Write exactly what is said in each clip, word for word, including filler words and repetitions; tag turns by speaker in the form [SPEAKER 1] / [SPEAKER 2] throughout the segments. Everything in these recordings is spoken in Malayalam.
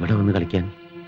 [SPEAKER 1] ഇവിടെ വന്ന് കളിക്കാൻ?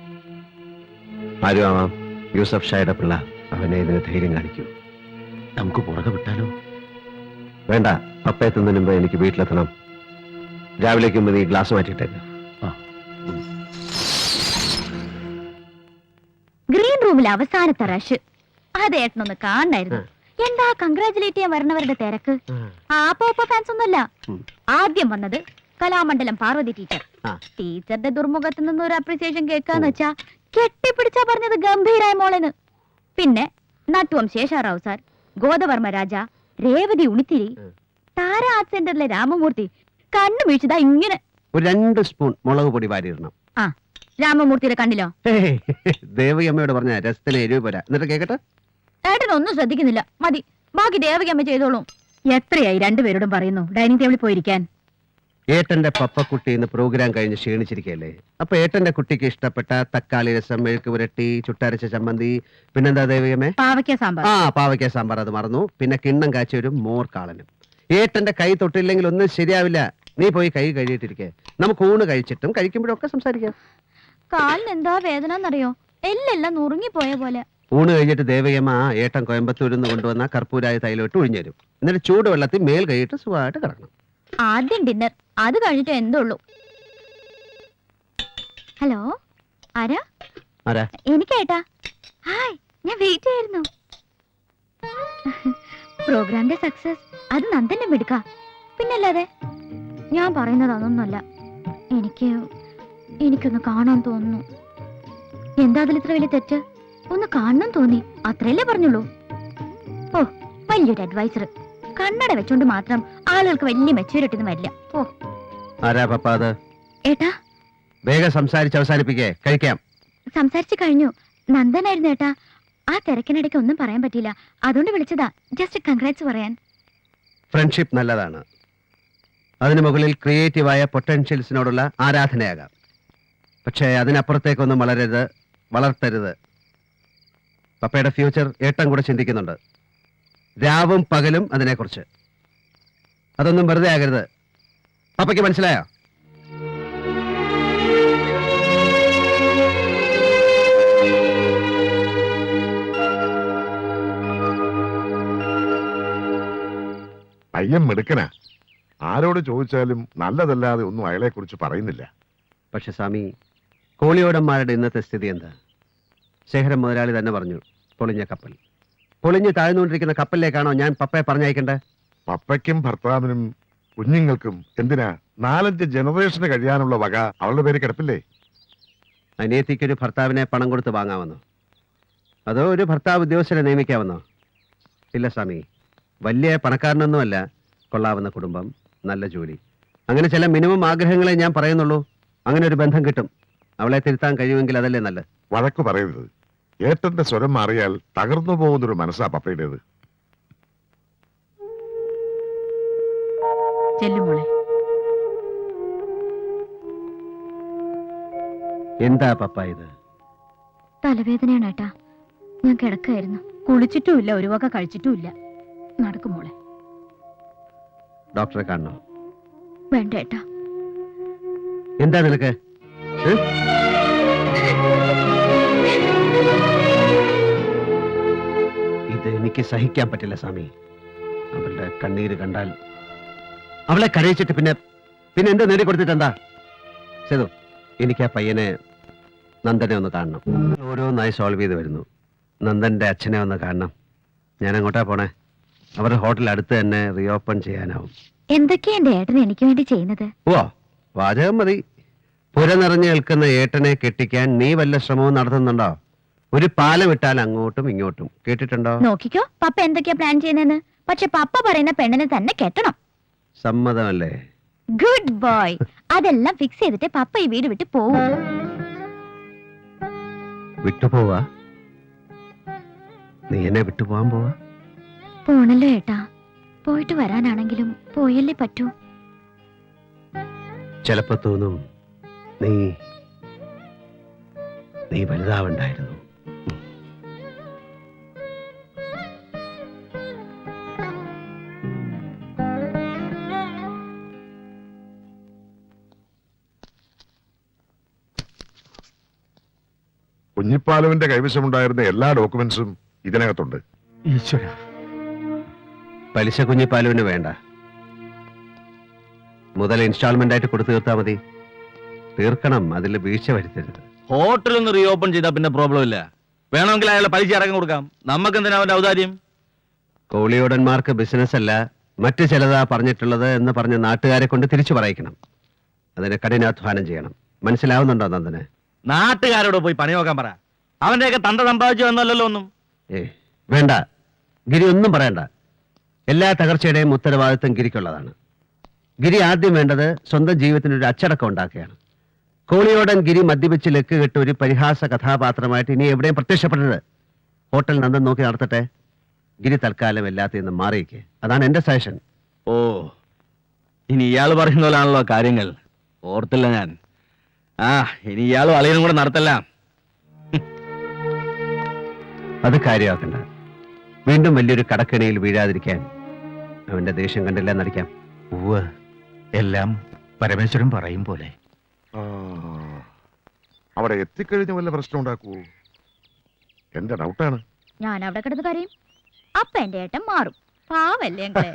[SPEAKER 2] ആരും ആവാം, യൂസഫ് ഷായുടെ പിള്ള അവനെ ഇതിന് ധൈര്യം കാണിക്കൂ.
[SPEAKER 1] നമുക്ക് പുറകെ വിട്ടാലോ?
[SPEAKER 2] വേണ്ട, പപ്പയെത്തുന്നതിന് മുമ്പ് എനിക്ക് വീട്ടിലെത്തണം. രാവിലേക്ക് മുമ്പ് നീ ഗ്ലാസ് മാറ്റിയിട്ടേക്ക്.
[SPEAKER 3] ഗ്രീൻ റൂമിൽ അവസാനത്തെ റഷ് അത് ഏട്ടനൊന്ന് കാണായിരുന്നു. എന്താ കൺഗ്രാചുലേറ്റ് ചെയ്യാൻ വരണവരുടെ തിരക്ക്. ആ പോപ്പ ഫാൻസ് ഒന്നുമല്ല. ആദ്യം വന്നത് കലാമണ്ഡലം പാർവതി ടീച്ചർ. ടീച്ചറുടെ ദുർമുഖത്ത് നിന്ന് ഒരു അപ്രീസിയേഷൻ കേൾക്കാന്ന് വെച്ചാ കെട്ടിപ്പിടിച്ചാ പറഞ്ഞത് ഗംഭീരായ മോളെന്ന്. പിന്നെ നട്ടുവം ശേഷാറാവു സാർ, ഗോദവർമ്മ രാജ, രേവതി ഉണിത്തിരി, താര ആർട്ട് സെന്ററിലെ രാമമൂർത്തി കണ്ണു വീഴ്ചതാ ഇങ്ങനെ.
[SPEAKER 2] ഒരു രണ്ട് സ്പൂൺ മുളക് പൊടി വാരിയിടണം.
[SPEAKER 3] ആ രാമമൂർത്തിയുടെ കണ്ണിലോ?
[SPEAKER 2] ദേവകിയമ്മയോട് പറഞ്ഞ രസത്തിന് എരിവ് പോരാ. എന്നിട്ട് കേക്കട്ടെ.
[SPEAKER 3] ഏട്ടനൊന്നും ശ്രദ്ധിക്കുന്നില്ല. മതി, ബാക്കി ദേവകിയമ്മ ചെയ്തോളൂ. എത്രയായി രണ്ടുപേരോടും പറയുന്നു ഡൈനിങ് ടേബിളിൽ പോയിരിക്കാൻ.
[SPEAKER 2] ഏട്ടന്റെ പപ്പക്കുട്ടി ഇന്ന് പ്രോഗ്രാം കഴിഞ്ഞ് ക്ഷീണിച്ചിരിക്കല്ലേ. അപ്പൊ ഏട്ടന്റെ കുട്ടിക്ക് ഇഷ്ടപ്പെട്ട തക്കാളി രസം, മെഴുക്ക് പുരട്ടി, ചുട്ടരച്ച ചമ്മന്തി, പിന്നെന്താ ദേവിയമ്മേ?
[SPEAKER 3] പാവയ്ക്ക സാമ്പാർ.
[SPEAKER 2] ആ പാവയ്ക്ക സാമ്പാർ, അത് മറന്നു. പിന്നെ കിണ്ണം കാച്ചി ഒരു മോർ കാളനും. ഏട്ടന്റെ കൈ തൊട്ടില്ലെങ്കിൽ ഒന്നും ശരിയാവില്ല. നീ പോയി കൈ കഴുകിയിട്ടിരിക്കെ. നമുക്ക് ഊണ് കഴിച്ചിട്ടും കഴിക്കുമ്പോഴൊക്കെ സംസാരിക്കാം.
[SPEAKER 3] കാലിന് എന്താ വേദന എന്നറിയോ? എല്ലെല്ലാം നുറുങ്ങിപ്പോയ പോലെ.
[SPEAKER 2] ഊണ് കഴിഞ്ഞിട്ട് ദേവയമ്മ ഏട്ടൻ കോയമ്പത്തൂരിൽ നിന്ന് കൊണ്ടുവന്ന കർപ്പൂരായ തൈലോട്ട് ഒഴിഞ്ഞുതരും. എന്നിട്ട് ചൂടുവെള്ളത്തിൽ മേൽ കഴിയിട്ട് സുഖമായിട്ട് കിടക്കണം.
[SPEAKER 3] ആദ്യം ഡിന്നർ, അത് കഴിഞ്ഞിട്ട് എന്തുള്ളൂ. ഹലോ, ആരാ?
[SPEAKER 2] ആരാ?
[SPEAKER 3] എനിക്കേട്ടാ. ഹായ്, ഞാൻ വെയിറ്റ് ചെയ്യായിരുന്നു. പ്രോഗ്രാമിന്റെ സക്സസ് അത് നന്ദന്റെ മിടുക്ക. പിന്നല്ലാതെ ഞാൻ പറയുന്നത് അതൊന്നുമല്ല. എനിക്ക് എനിക്കൊന്ന് കാണാൻ തോന്നുന്നു. എന്താ അതിൽ ഇത്ര വലിയ തെറ്റ്? ഒന്ന് കാണണം തോന്നി, അത്രയല്ലേ പറഞ്ഞുള്ളൂ. ഓ, വലിയൊരു അഡ്വൈസർ. കണ്ണട വെച്ചോണ്ട് മാത്രം ആളുകൾക്ക് വലിയ മെച്ചൂരിറ്റി ഒന്നും വരില്ല. ഓ
[SPEAKER 2] ആരാ പപ്പ അത്?
[SPEAKER 3] ഏട്ടാ
[SPEAKER 2] വേഗം സംസാരിച്ച് അവസാനിപ്പിക്കേ, കഴിക്കാം.
[SPEAKER 3] സംസാരിച്ചു കഴിഞ്ഞു. നന്ദനായിരുന്നു ഏട്ടാ. ആ തിരക്കിനിടയ്ക്ക് ഒന്നും പറയാൻ പറ്റിയില്ല, അതുകൊണ്ട് വിളിച്ചതാ. ജസ്റ്റ് കൺഗ്രാറ്റ്സ് പറയാൻ.
[SPEAKER 2] ഫ്രണ്ട്ഷിപ്പ് നല്ലതാണ്. അതിനു മുകളിൽ ക്രിയേറ്റീവായ പൊട്ടൻഷ്യൽസിനോടുള്ള ആരാധനയാകാം. പക്ഷേ അതിനപ്പുറത്തേക്കൊന്നും വളരരുത്, വളർത്തരുത്. പപ്പയുടെ ഫ്യൂച്ചർ ഏട്ടൻ കൂടെ ചിന്തിക്കുന്നുണ്ട്, രാവും പകലും അതിനെക്കുറിച്ച്. അതൊന്നും വെറുതെ ആകരുത്. പപ്പയ്ക്ക് മനസ്സിലായോ?
[SPEAKER 4] പയ്യൻ മിടുക്കനാ. ആരോട് ചോദിച്ചാലും നല്ലതല്ലാതെ ഒന്നും അയാളെ കുറിച്ച് പറയുന്നില്ല.
[SPEAKER 2] പക്ഷെ സ്വാമി, കോളിയോടന്മാരുടെ ഇന്നത്തെ സ്ഥിതി എന്താ? ശേഖരൻ മുതലാളി തന്നെ പറഞ്ഞു, പൊളിഞ്ഞ കപ്പൽ. പൊളിഞ്ഞ് താഴ്ന്നുകൊണ്ടിരിക്കുന്ന കപ്പലിലേക്കാണോ ഞാൻ പപ്പയെ പറഞ്ഞയക്കണ്ടേ?
[SPEAKER 4] പപ്പയ്ക്കും ഭർത്താവിനും കുഞ്ഞുങ്ങൾക്കും എന്തിനാ നാലഞ്ച് ജനറേഷന് കഴിയാനുള്ള വക അവളുടെ പേര് കിടപ്പില്ലേ?
[SPEAKER 2] അനിയത്തിക്കൊരു ഭർത്താവിനെ പണം കൊടുത്ത് വാങ്ങാമെന്നോ? അതോ ഒരു ഭർത്താവ് ഉദ്യോഗസ്ഥരെ നിയമിക്കാമെന്നോ? ഇല്ല സ്വാമി, വലിയ പണക്കാരനൊന്നുമല്ല, കൊള്ളാവുന്ന കുടുംബം, നല്ല ജോലി, അങ്ങനെ ചില മിനിമം ആഗ്രഹങ്ങളെ ഞാൻ പറയുന്നുള്ളൂ. അങ്ങനെ ഒരു ബന്ധം കിട്ടും. അവളെ തിരുത്താൻ കഴിയുമെങ്കിൽ അതല്ലേ നല്ലത്.
[SPEAKER 4] വഴക്കു പറയരുത്. ഏട്ടന്റെ സ്വരം മാറിയാൽ തകർന്നു പോകുന്നൊരു മനസ്സാ പപ്പയുടേത്.
[SPEAKER 3] ചെല്ലുമോളെ.
[SPEAKER 2] എന്താ പപ്പ ഇത്?
[SPEAKER 3] തലവേദനയാണ് ഏട്ടാ. ഞാൻ കിടക്കായിരുന്നു. കുളിച്ചിട്ടുമില്ല, ഒരു വക കഴിച്ചിട്ടുമില്ല. നടക്കുമോളെ.
[SPEAKER 2] ഡോക്ടറെ കാണണോ?
[SPEAKER 3] വേണ്ട ഏട്ടാ.
[SPEAKER 2] എന്താ നിനക്ക്? ഇത് എനിക്ക് സഹിക്കാൻ പറ്റില്ല സ്വാമി. അവളുടെ കണ്ണീര് കണ്ടാൽ, അവളെ കരയിച്ചിട്ട് പിന്നെ പിന്നെ എന്താ നേടിക്കൊടുത്തിട്ട് എന്താ? സേതു, എനിക്ക് ആ പയ്യനെ, നന്ദനെ ഒന്ന് കാണണം. ഓരോന്നായി സോൾവ് ചെയ്ത് വരുന്നു. നന്ദന്റെ അച്ഛനെ ഒന്ന് കാണണം. ഞാൻ അങ്ങോട്ടാ പോണേ. അവരുടെ ഹോട്ടൽ അടുത്ത് തന്നെ റീഓപ്പൺ ചെയ്യാനാവും.
[SPEAKER 3] എന്തൊക്കെയാ എന്റെ ഏട്ടൻ എനിക്ക് വേണ്ടി ചെയ്യുന്നത്?
[SPEAKER 2] ഓ, വാചകം മതി. പുര നിറഞ്ഞു നിൽക്കുന്ന ഏട്ടനെ കെട്ടിക്കാൻ നീ വല്ല ശ്രമവും നടത്തുന്നുണ്ടോ? ഒരു പാലം ഇട്ടാൽ അങ്ങോട്ടും ഇങ്ങോട്ടും. കേട്ടിട്ടുണ്ടോ?
[SPEAKER 3] നോക്കിക്കോ പപ്പ എന്തൊക്കെയാ പ്ലാൻ ചെയ്യുന്നതെന്ന്. പക്ഷെ പപ്പ പറയുന്ന പെണ്ണിനെ തന്നെ കെട്ടണം.
[SPEAKER 2] സമ്മതമല്ലേ?
[SPEAKER 3] Good boy. അതെല്ലാം ഫിക്സ് ചെയ്തിട്ട് പപ്പ ഈ വീട് വിട്ട് പോവും.
[SPEAKER 2] വിട്ടുപോവാ? നീ എന്നെ വിട്ടുപോവാൻ പോവാ?
[SPEAKER 3] പോണല്ലോ ഏട്ടാ. പോയിട്ട് വരാനാണെങ്കിലും പോയല്ലേ പറ്റൂ.
[SPEAKER 2] ചിലപ്പോ തോന്നും നീ നീ വലുതാവണ്ടായിരുന്നു.
[SPEAKER 4] കുഞ്ഞിപ്പാലുവിന്റെ കൈവശമുണ്ടായിരുന്ന എല്ലാ ഡോക്യുമെന്റ്സും ഇതിനകത്തുണ്ട്.
[SPEAKER 1] ഈശ്വര,
[SPEAKER 2] പലിശ കുഞ്ഞിപ്പാലുവിന് വേണ്ട. മുതൽ ഇൻസ്റ്റാൾമെന്റ് ആയിട്ട് കൊടുത്തു തീർത്താ മതി. തീർക്കണം, അതിൽ വീഴ്ച വരുത്തരുത്.
[SPEAKER 1] ഹോട്ടൽ ഒന്ന് റീ ഓപ്പൺ ചെയ്താൽ പിന്നെ പ്രോബ്ലം ഇല്ല. വേണമെങ്കിൽ അയാളെ പലിശ അടക്കം കൊടുക്കാം. നമുക്ക് എന്തിനാ അവന്റെ ഔദാര്യം?
[SPEAKER 2] കോളിയോടന്മാർക്ക് ബിസിനസ് അല്ല, മറ്റു ചിലതാ പറഞ്ഞിട്ടുള്ളത് എന്ന് പറഞ്ഞ് നാട്ടുകാരെ കൊണ്ട് തിരിച്ചു പറയിക്കണം. അതിന് കഠിനാധ്വാനം ചെയ്യണം. മനസ്സിലാവുന്നുണ്ടോ നന്ദന്?
[SPEAKER 1] നാട്ടുകാരോട് പോയി പണി നോക്കാൻ പറ. അവന്റെയൊക്കെ തന്ത സമ്പാദിച്ചു എന്നല്ലല്ലോ ഒന്നും.
[SPEAKER 2] ഏ വേണ്ട, ഗിരി ഒന്നും പറയണ്ട. എല്ലാ തകർച്ചയുടെയും ഉത്തരവാദിത്വം ഗിരിക്കുള്ളതാണ്. ഗിരി ആദ്യം വേണ്ടത് സ്വന്തം ജീവിതത്തിനൊരു അച്ചടക്കം ഉണ്ടാക്കുകയാണ്. കോളിയോടൻ ഗിരി മദ്യപിച്ച് ലക്ക് കെട്ട് ഒരു പരിഹാസ കഥാപാത്രമായിട്ട് ഇനി എവിടെയും പ്രത്യക്ഷപ്പെടരുത്. ഹോട്ടൽ നന്ദൻ നോക്കി നടത്തട്ടെ. ഗിരി തൽക്കാലം എല്ലാത്തിൽ നിന്നും മാറിയിക്ക്. അതാണ് എന്റെ സജഷൻ.
[SPEAKER 1] ഓ, ഇനി ഇയാൾ പറയുന്ന പോലാണല്ലോ കാര്യങ്ങൾ. ഓർത്തില്ല ഞാൻ. ആ, ഇനി ഇയാളും അളിയനും കൂടെ നടത്തല്ല.
[SPEAKER 2] അത് കാര്യമാക്കണ്ട. വീണ്ടും വലിയൊരു കടക്കിണിയിൽ വീഴാതിരിക്കാൻ അവന്റെ ദേഷ്യം കണ്ടില്ല നടിക്കാം.
[SPEAKER 5] ഉവ്വ്, എല്ലാം പരമേശ്വരൻ പറയും പോലെ.
[SPEAKER 4] ആ, അവിടെ എത്തിക്കഴിഞ്ഞ വല്ല പ്രശ്നം ഉണ്ടാക്കൂ. എന്റെ ഡൗട്ടാണ്.
[SPEAKER 3] ഞാൻ അവിടെ കിടന്ന് കരയും. അപ്പൊ എന്റെ ഏട്ടൻ മാറും. പാവല്ലേ ഞങ്ങളെ.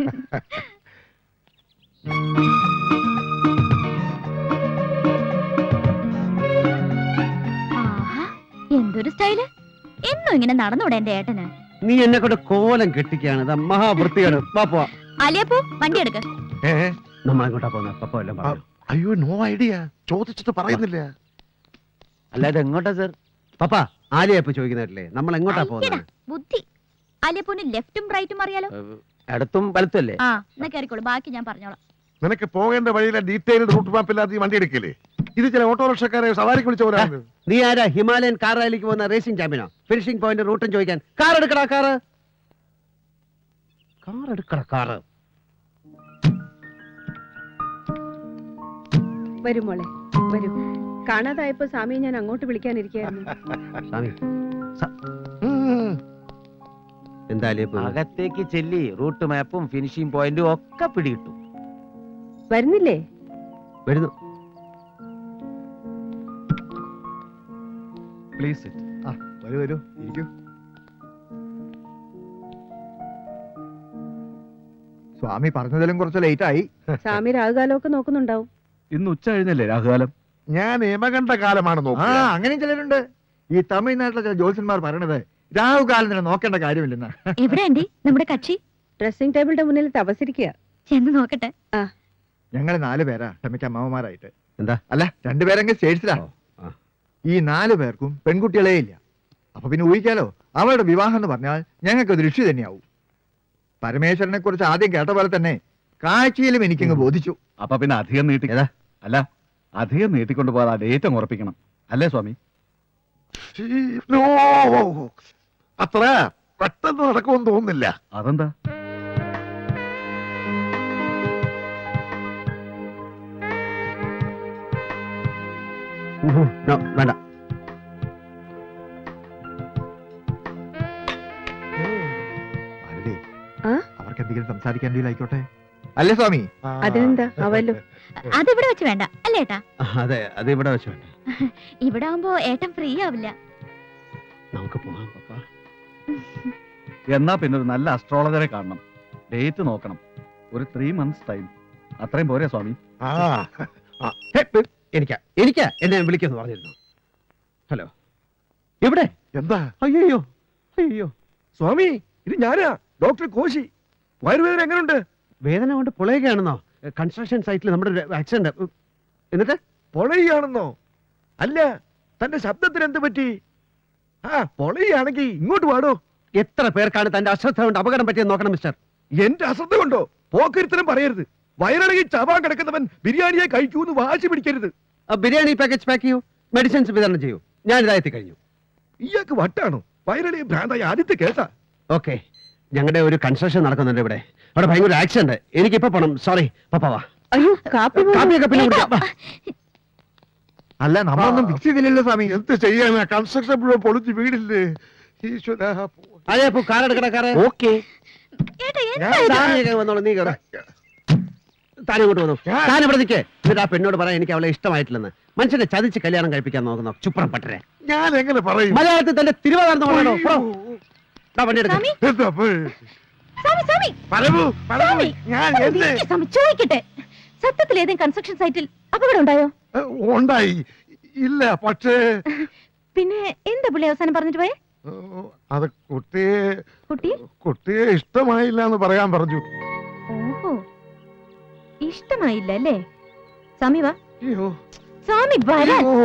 [SPEAKER 3] ആഹാ, എന്തൊരു സ്റ്റൈല്. എന്നും ഇങ്ങനെ നടന്നൂടെ എന്റെ ഏട്ടന്?
[SPEAKER 2] നീ എന്നെ കൊണ്ട് കോലം കെട്ടിക്കാണ്. ഇത് മഹാവൃത്തിയാണ്. പാപ്പോ
[SPEAKER 3] അലിയപ്പൂ, വണ്ടി എടുക്ക.
[SPEAKER 4] ഏ
[SPEAKER 2] നമ്മളെങ്ങോട്ടാ പോകുന്നത്? പപ്പ എല്ലാം പറഞ്ഞു.
[SPEAKER 4] അയ്യോ, നോ ഐഡിയ. ചോദിച്ചിട്ട് പറയുന്നില്ല.
[SPEAKER 1] അല്ലാതെ എങ്ങോട്ടാ സർ?
[SPEAKER 2] പപ്പ ആലിയപ്പ ചോദിക്കുന്നില്ലേ നമ്മൾ എങ്ങോട്ടാ
[SPEAKER 3] അയ്യടാ,
[SPEAKER 2] പോകുന്നത്?
[SPEAKER 3] ബുദ്ധി. അലിയപ്പൂന് ലെഫ്റ്റും റൈറ്റും അറിയാലോ.
[SPEAKER 1] അടുത്തും വലത്തല്ലേ?
[SPEAKER 3] ആ, എന്നാ കയറിക്കോളൂ, ബാക്കി ഞാൻ പറഞ്ഞോളാം.
[SPEAKER 4] നിനക്ക് പോകേണ്ട വഴിയിലെ ഡീറ്റെയിൽഡ് റൂട്ട് മാപ്പ് ഇല്ലാതെ ഈ വണ്ടി എടുക്കില്ലേ? ഇത് ചില ഓട്ടോറിക്ഷക്കാരെ സവാരിക്ക് വിളിച്ച പോലെയാണ്.
[SPEAKER 2] നീ ആരാ ഹിമാലയൻ കാർ റാലിക്ക് പോകുന്ന റേസിംഗ് ചാമ്പ്യനോ? ഫിനിഷിംഗ് പോയിന്റ് റൂട്ടും ചോദിക്കാൻ? കാർ എടുക്കടാ, കാറ് കാർ എടുക്കടാ, കാറ്.
[SPEAKER 6] വരൂ മോളെ, വരൂ. കാണാതായപ്പോ സ്വാമിയെ ഞാൻ അങ്ങോട്ട് വിളിക്കാനിരിക്കായിരുന്നു.
[SPEAKER 2] സ്വാമി, സ-
[SPEAKER 4] ഉം.
[SPEAKER 2] എന്താ ആലിയപ്പ?
[SPEAKER 1] അകത്തേക്ക് ചെല്ലി റൂട്ട് മാപ്പും ഫിനിഷിംഗ് പോയിന്റും ഒക്കെ പിടികിട്ടും.
[SPEAKER 6] വരുന്നില്ലേ?
[SPEAKER 2] വരുന്നു.
[SPEAKER 5] പ്ലീസ്
[SPEAKER 7] വരൂ വരൂ, ഇരിക്കൂ. സ്വാമി പറഞ്ഞതിലും കുറച്ച് ലേറ്റ് ആയി.
[SPEAKER 6] സ്വാമി രാഹുകാലമൊക്കെ നോക്കുന്നുണ്ടാവും.
[SPEAKER 5] ഇന്ന് ഉച്ച കഴിഞ്ഞല്ലേ രാഹുകാലം?
[SPEAKER 4] ഞാൻ യമകണ്ഠ കാലമാണ്
[SPEAKER 7] ആ
[SPEAKER 4] നോക്കുക.
[SPEAKER 7] അങ്ങനെയും ചിലരുണ്ട്. ഈ തമിഴ്നാട്ടിലെ ചില ജ്യോത്സ്യന്മാർ പറയണത് രാഹുകാലം തന്നെ നോക്കേണ്ട കാര്യമില്ലെന്ന്.
[SPEAKER 3] എവിടെ ആന്റി നമ്മുടെ കക്ഷി?
[SPEAKER 6] ഡ്രസ്സിംഗ് ടേബിളിന്റെ മുന്നിൽ തപസിരിക്കുക.
[SPEAKER 3] ചെന്ന് നോക്കട്ടെ.
[SPEAKER 7] ഞങ്ങൾ നാല് പേരാ ക്ഷമിക്ക അമ്മമാരായിട്ട്.
[SPEAKER 2] എന്താ?
[SPEAKER 7] അല്ല, രണ്ടുപേരെങ്കിൽ സ്റ്റേറ്റ്സിലാ.
[SPEAKER 2] ആ.
[SPEAKER 7] ഈ നാല് പേർക്കും പെൺകുട്ടികളേ ഇല്ല. അപ്പൊ പിന്നെ ഊഹിക്കാലോ, അവളുടെ വിവാഹം എന്ന് പറഞ്ഞാൽ ഞങ്ങൾക്ക് ദൃഷ്ടി തന്നെയാവും. പരമേശ്വരനെ കുറിച്ച് ആദ്യം കേട്ട പോലെ തന്നെ കാഴ്ചയിലും എനിക്കങ്ങ് ബോധിച്ചു.
[SPEAKER 5] അപ്പൊ പിന്നെ അധികം നീട്ടി
[SPEAKER 2] ഏതാ?
[SPEAKER 5] അല്ല, അധികം നീട്ടിക്കൊണ്ട് പോകാതെ ആ ഡേറ്റ് അങ്ങ് ഉറപ്പിക്കണം. അല്ലേ സ്വാമി?
[SPEAKER 4] നോ, അത്ര പെട്ടെന്ന് നടക്കുമെന്ന് തോന്നുന്നില്ല.
[SPEAKER 5] അതെന്താ?
[SPEAKER 2] No, വേണ്ട.
[SPEAKER 7] ഭാരതി,
[SPEAKER 6] ആ?
[SPEAKER 7] അവർക്ക് എന്തെങ്കിലും സംസാരിക്കാൻ ആയിക്കോട്ടെ. അല്ലേ സ്വാമി?
[SPEAKER 6] അതിനെന്താ അവല്ലോ.
[SPEAKER 3] അതിവിടെ വെച്ച് വേണ്ട അല്ലേ ഏട്ടാ?
[SPEAKER 2] അതെ, അത് ഇവിടെ വെച്ച് വേണ്ട.
[SPEAKER 3] ഇവിടെ ആവുമ്പോ ഏട്ടൻ ഫ്രീ ആവില്ല.
[SPEAKER 2] നമുക്ക് പോകാം പപ്പ.
[SPEAKER 5] എന്നാ പിന്നെ ഒരു നല്ല അസ്ട്രോളജറെ കാണണം. ഡേറ്റ് നോക്കണം. ഒരു ത്രീ മന്ത്സ് ടൈം. അത്രയും പോരെ സ്വാമി?
[SPEAKER 4] ആ,
[SPEAKER 2] ഹേ, പ്- എനിക്കാ എനിക്കാ എന്നെ വിളിക്കുമെന്ന് പറഞ്ഞിരുന്നു. ഹലോ, എവിടെ?
[SPEAKER 4] എന്താ?
[SPEAKER 2] അയ്യോ അയ്യോ,
[SPEAKER 8] സ്വാമി, ഇത് ഞാനാ, ഡോക്ടർ കോശി. വയറുവേദന എങ്ങനെയുണ്ട്?
[SPEAKER 2] വേദന കൊണ്ട് പുളയുകയാണെന്നോ? കൺസ്ട്രക്ഷൻ സൈറ്റിൽ നമ്മുടെ ഒരു ആക്സിഡന്റ്. എന്നിട്ട്
[SPEAKER 8] പൊളയാണെന്നോ? അല്ല, തന്റെ ശബ്ദത്തിന് എന്ത് പറ്റി? ആ, പൊളയാണെങ്കിൽ ഇങ്ങോട്ട് പാടോ.
[SPEAKER 2] എത്ര പേർക്കാണ് തന്റെ അശ്രദ്ധ കൊണ്ട് അപകടം പറ്റിയെന്ന് നോക്കണം മിസ്റ്റർ.
[SPEAKER 8] എന്റെ അശ്രദ്ധ കൊണ്ടോ? പോക്കരുത്തരം പറയരുത്. വയറിളകി ചാവാൻ കിടക്കുന്നവൻ ബിരിയാണിയെ കഴിക്കൂന്ന് വാശി പിടിക്കരുത്.
[SPEAKER 2] ആ ബിരിയാണി പാക്കേജ് പാക്ക് ചെയ്യൂ, മെഡിസിൻസ് വിതരണം ചെയ്യൂ. ഞാൻ ഇതായെത്തി കഴിഞ്ഞു.
[SPEAKER 8] ഇയാൾക്ക് വട്ടാണോ? വയറിളകി ഭ്രാന്തായ ആദ്യത്തെ കേസാ.
[SPEAKER 2] ഓക്കെ, ഞങ്ങളുടെ ഒരു കൺസ്ട്രക്ഷൻ നടക്കുന്നുണ്ട് ഇവിടെ. അവിടെ ഭയങ്കര ആക്സിഡന്റ്. എനിക്കിപ്പോ പോണം. Sorry papa. വാ,
[SPEAKER 6] അയ്യോ, കാപ്പി പോലും-
[SPEAKER 2] കാപ്പിയൊക്കെ പിന്നെ കുടിക്കാം. വാ.
[SPEAKER 7] അല്ല, നമ്മളൊന്നും ഫിക്സ് ചെയ്തില്ലല്ലോ സ്വാമി.
[SPEAKER 4] എന്ത് ചെയ്യാനാ? കൺസ്ട്രക്ഷൻ മുഴുവൻ പൊളിച്ച് വീടില്ലേ? ഈശ്വരാ.
[SPEAKER 2] അതെ, കാർ എടുക്കട കാറ്.
[SPEAKER 5] ഓക്കെ.
[SPEAKER 3] ഏട്ടാ
[SPEAKER 2] ഞാൻ
[SPEAKER 3] എന്താ ഇത്?
[SPEAKER 2] താഴേക്ക് വന്നോളാം, നീ കേറ. താൻ ഇങ്ങോട്ട് വന്നു
[SPEAKER 4] ഞാൻ-
[SPEAKER 2] താൻ ഇവിടെ നിൽക്കേ എന്നിട്ട് ആ പെണ്ണോട് പറയാൻ എനിക്ക് അവളെ ഇഷ്ടമായിട്ടില്ലെന്ന് മനുഷ്യനെ ചതിച്ച് കല്യാണം കഴിപ്പിക്കാൻ നോക്കുന്നു ചുപ്രം പട്ടരെ
[SPEAKER 4] ഞാൻ എങ്ങനെ പറയും
[SPEAKER 2] മലയാളത്തിൽ തന്റെ തിരുവാതിർന്ന് പറയണോ വണ്ടി എടുക്ക
[SPEAKER 3] സ്വാമി
[SPEAKER 4] എന്താ അപ്പൊ?
[SPEAKER 3] സ്വാമി സ്വാമി
[SPEAKER 4] പറവൂ, പറവൂ.
[SPEAKER 3] സ്വാമി,
[SPEAKER 4] ഞാൻ
[SPEAKER 3] ഒന്ന്
[SPEAKER 4] എന്ത്
[SPEAKER 3] നിൽക്ക് സ്വാമി, ചോദിക്കട്ടെ സത്യത്തിൽ ഏതെങ്കിലും കൺസ്ട്രക്ഷൻ സൈറ്റിൽ അപകടം ഉണ്ടായോ
[SPEAKER 4] ഏ, ഉണ്ടായി ഇല്ല പക്ഷേ
[SPEAKER 3] പിന്നെ എന്താ പുള്ളി അവസാനം പറഞ്ഞിട്ട് പോയെ
[SPEAKER 4] ഏ, അത് കുട്ടിയെ
[SPEAKER 3] കുട്ടി
[SPEAKER 4] കുട്ടിയെ ഇഷ്ടമായില്ല എന്ന് പറയാൻ പറഞ്ഞു.
[SPEAKER 3] ഓഹോ ഇഷ്ടമായില്ല അല്ലേ സ്വാമി വാ
[SPEAKER 4] അയ്യോ
[SPEAKER 3] സ്വാമി വരാൻ
[SPEAKER 4] അയ്യോ.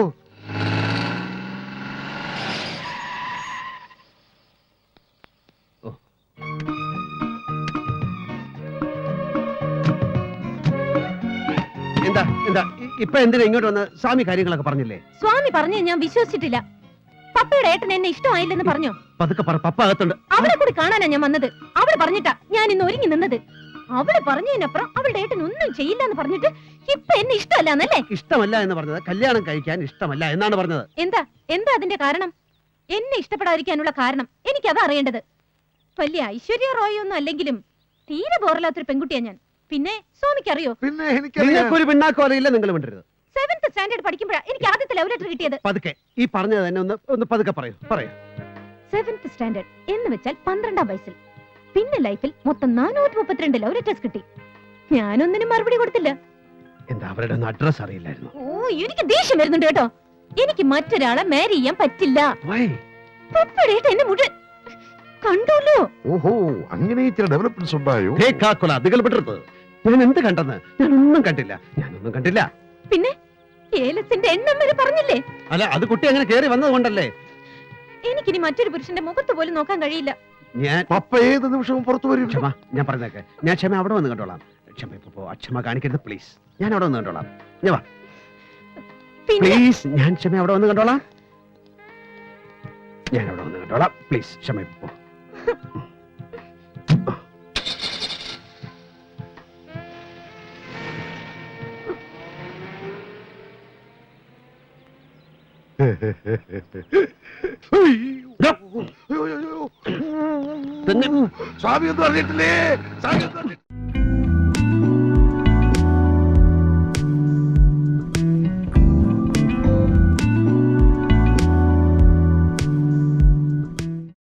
[SPEAKER 2] എന്താ എന്താ ഇ- ഇപ്പൊ എന്തിനാ ഇങ്ങോട്ട് വന്ന് സ്വാമി കാര്യങ്ങളൊക്കെ പറഞ്ഞില്ലേ
[SPEAKER 3] സ്വാമി പറഞ്ഞു ഞാൻ വിശ്വസിച്ചിട്ടില്ല പപ്പയുടെ ഏട്ടൻ എന്നെ ഇഷ്ടമായില്ലെന്ന് പറഞ്ഞോ
[SPEAKER 2] പതുക്കെ പറ പപ്പ അകത്തുണ്ട്
[SPEAKER 3] അവളെ കൂടി കാണാനാ ഞാൻ വന്നത് അവള് പറഞ്ഞിട്ടാ ഞാൻ ഇന്ന് ഒരുങ്ങി നിന്നത് അവള് പറഞ്ഞതിനപ്പുറം അവളുടെ ഏട്ടൻ ഒന്നും ചെയ്യില്ല എന്ന് പറഞ്ഞിട്ട് ഇപ്പൊ എന്നെ ഇഷ്ടമല്ലാന്നല്ലേ
[SPEAKER 2] ഇഷ്ടമല്ല എന്ന് പറഞ്ഞത് കല്യാണം കഴിക്കാൻ ഇഷ്ടമല്ല എന്നാണ് പറഞ്ഞത്
[SPEAKER 3] എന്താ എന്താ അതിന്റെ കാരണം എന്നെ ഇഷ്ടപ്പെടാതിരിക്കാനുള്ള കാരണം എനിക്കതാ അറിയേണ്ടത് വലിയ ഐശ്വര്യ റോയ് ഒന്നും അല്ലെങ്കിലും തീരെ ബോറില്ലാത്തൊരു പെൺകുട്ടിയാ ഞാൻ പിന്നെ സ്വാമിക്ക് അറിയോ
[SPEAKER 4] പിന്നെ എനിക്കറിയാം
[SPEAKER 2] നിങ്ങൾക്കൊരു പിണ്ണാക്കോ അറിയില്ല നിങ്ങൾ വിണ്ടരുത്
[SPEAKER 3] സെവൻത് സ്റ്റാൻഡേർഡ് പഠിക്കുമ്പോഴാ എനിക്ക് ആദ്യത്തെ ലവ് ലെറ്റർ കിട്ടിയത്
[SPEAKER 2] പതുക്കെ ഈ പറഞ്ഞത് തന്നെ ഒന്ന് ഒന്ന് പതുക്കെ പറയൂ പറയൂ
[SPEAKER 3] സെവൻത് സ്റ്റാൻഡേർഡ് എന്ന് വെച്ചാൽ പന്ത്രണ്ടാം വയസ്സിൽ പിന്നെ ലൈഫിൽ മൊത്തം നാനൂറ്റി മുപ്പത്തിരണ്ട് ലവ് ലെറ്റേഴ്സ് കിട്ടി ഞാനൊന്നിനും മറുപടി കൊടുത്തില്ല
[SPEAKER 2] എന്താ അവരുടെ ഒന്ന് അഡ്രസ് അറിയില്ലായിരുന്നു
[SPEAKER 3] ഓ എനിക്ക് ദേഷ്യം വരുന്നുണ്ട് കേട്ടോ എനിക്ക് മറ്റൊരാളെ മാരി ചെയ്യാൻ പറ്റില്ല
[SPEAKER 2] വൈ
[SPEAKER 3] പപ്പയുടെ ഏട്ടൻ എന്നെ മുഴുവൻ കണ്ടല്ലോ
[SPEAKER 4] ഓഹോ അങ്ങനെ ചില ഡെവലപ്മെന്റ്സ് ഉണ്ടായോ
[SPEAKER 2] അതികൾപ്പെട്ടത് ഞാൻ എന്ത് കണ്ടെന്ന് ഞാൻ ഒന്നും കണ്ടില്ല ഞാനൊന്നും കണ്ടില്ല
[SPEAKER 3] പിന്നെ ഏലസിന്റെ എണ്ണം വരെ പറഞ്ഞില്ലേ
[SPEAKER 2] അല്ല അത് കുട്ടി അങ്ങനെ കേറി വന്നത് കൊണ്ടല്ലേ
[SPEAKER 3] എനിക്കിനി മറ്റൊരു പുരുഷന്റെ മുഖത്ത് പോലും നോക്കാൻ കഴിയില്ല
[SPEAKER 2] ഞാൻ
[SPEAKER 4] പപ്പ ഏത് നിമിഷവും പുറത്തു വരും
[SPEAKER 2] ക്ഷമ ഞാൻ പറഞ്ഞേക്കെ ഞാൻ ക്ഷമ അവിടെ വന്ന് കണ്ടോളാം ക്ഷമ ഇപ്പൊ പോ. അക്ഷമ കാണിക്കരുത് പ്ലീസ് ഞാൻ അവിടെ വന്ന് കണ്ടോളാം ഞാൻ വാ
[SPEAKER 3] പിന്നെ
[SPEAKER 2] പ്ലീസ് ഞാൻ ക്ഷമ അവിടെ വന്ന് കണ്ടോളാം ഞാൻ അവിടെ വന്ന് കണ്ടോളാം പ്ലീസ് ക്ഷമ ഇപ്പൊ പോ.
[SPEAKER 4] അയ്യോ.
[SPEAKER 2] തന്നെ
[SPEAKER 4] സ്വാമി ഒന്നും അറിഞ്ഞിട്ടില്ലേ സ്വാമി ഒന്നും അറിഞ്ഞിട്ടില്ലേ?